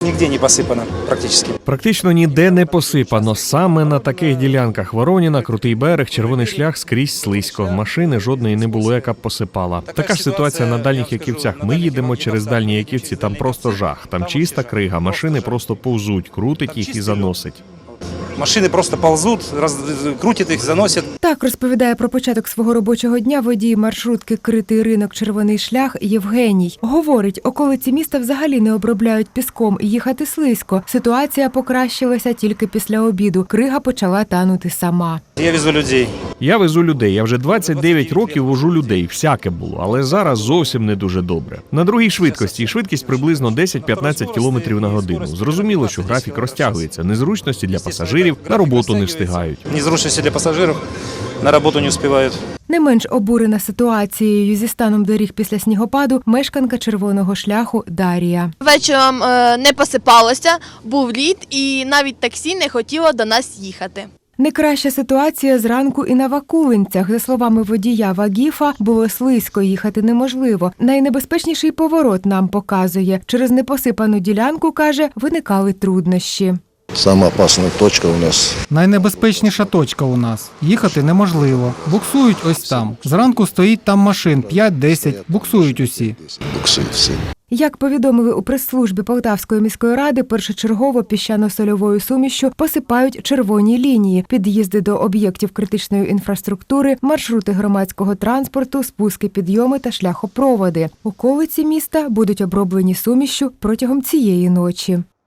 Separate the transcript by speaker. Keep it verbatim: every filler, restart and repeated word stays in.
Speaker 1: Нигде не посыпано практически.
Speaker 2: Практично ніде не посипано. Саме на таких ділянках Вороніна, Крутий берег, Червоний шлях скрізь слизько. Машини жодної не було, яка б посипала. Така ж ситуація на Дальніх Яківцях. Ми їдемо через Дальні Яківці, там просто жах. Там чиста крига, машини просто повзуть, крутить їх і заносить.
Speaker 1: Машины просто ползут, раз, крутят их, заносят.
Speaker 3: Так розповідає про початок свого робочого дня водій маршрутки «Критий ринок. Червоний шлях» Євгеній. Говорить, околиці міста взагалі не обробляють піском і їхати слизько. Ситуація покращилася тільки після обіду. Крига почала танути сама.
Speaker 1: Я везу людей.
Speaker 2: Я везу людей. Я вже двадцять дев'ять років вожу людей. Всяке було. Але зараз зовсім не дуже добре. На другій швидкості. Швидкість приблизно десять-п'ятнадцять кілометрів на годину. Зрозуміло, що графік розтягується. Незручності для пасажирів, на роботу не встигають.
Speaker 1: Незручности для пассажиров, на работу не успевают.
Speaker 3: Не менш обурена ситуацією зі станом доріг після снігопаду мешканка Червоного шляху Дарія.
Speaker 4: Вечором е, не посипалося, був лід і навіть таксі не хотіло до нас їхати.
Speaker 3: Не краща ситуація зранку і на Вакулинцях. За словами водія Вагіфа, було слизько, їхати неможливо. Найнебезпечніший поворот нам показує. Через непосипану ділянку, каже, виникали труднощі.
Speaker 5: Сама опасна точка у нас.
Speaker 6: Найнебезпечніша точка у нас. Їхати неможливо. Буксують ось там. Зранку стоїть там машин п'ять-десять. Буксують усі.
Speaker 5: Буксують всі.
Speaker 3: Як повідомили у прес-службі Полтавської міської ради, першочергово піщано-сольовою сумішшю посипають червоні лінії, під'їзди до об'єктів критичної інфраструктури, маршрути громадського транспорту, спуски, підйоми та шляхопроводи. Околиці міста будуть оброблені сумішшю протягом цієї ночі.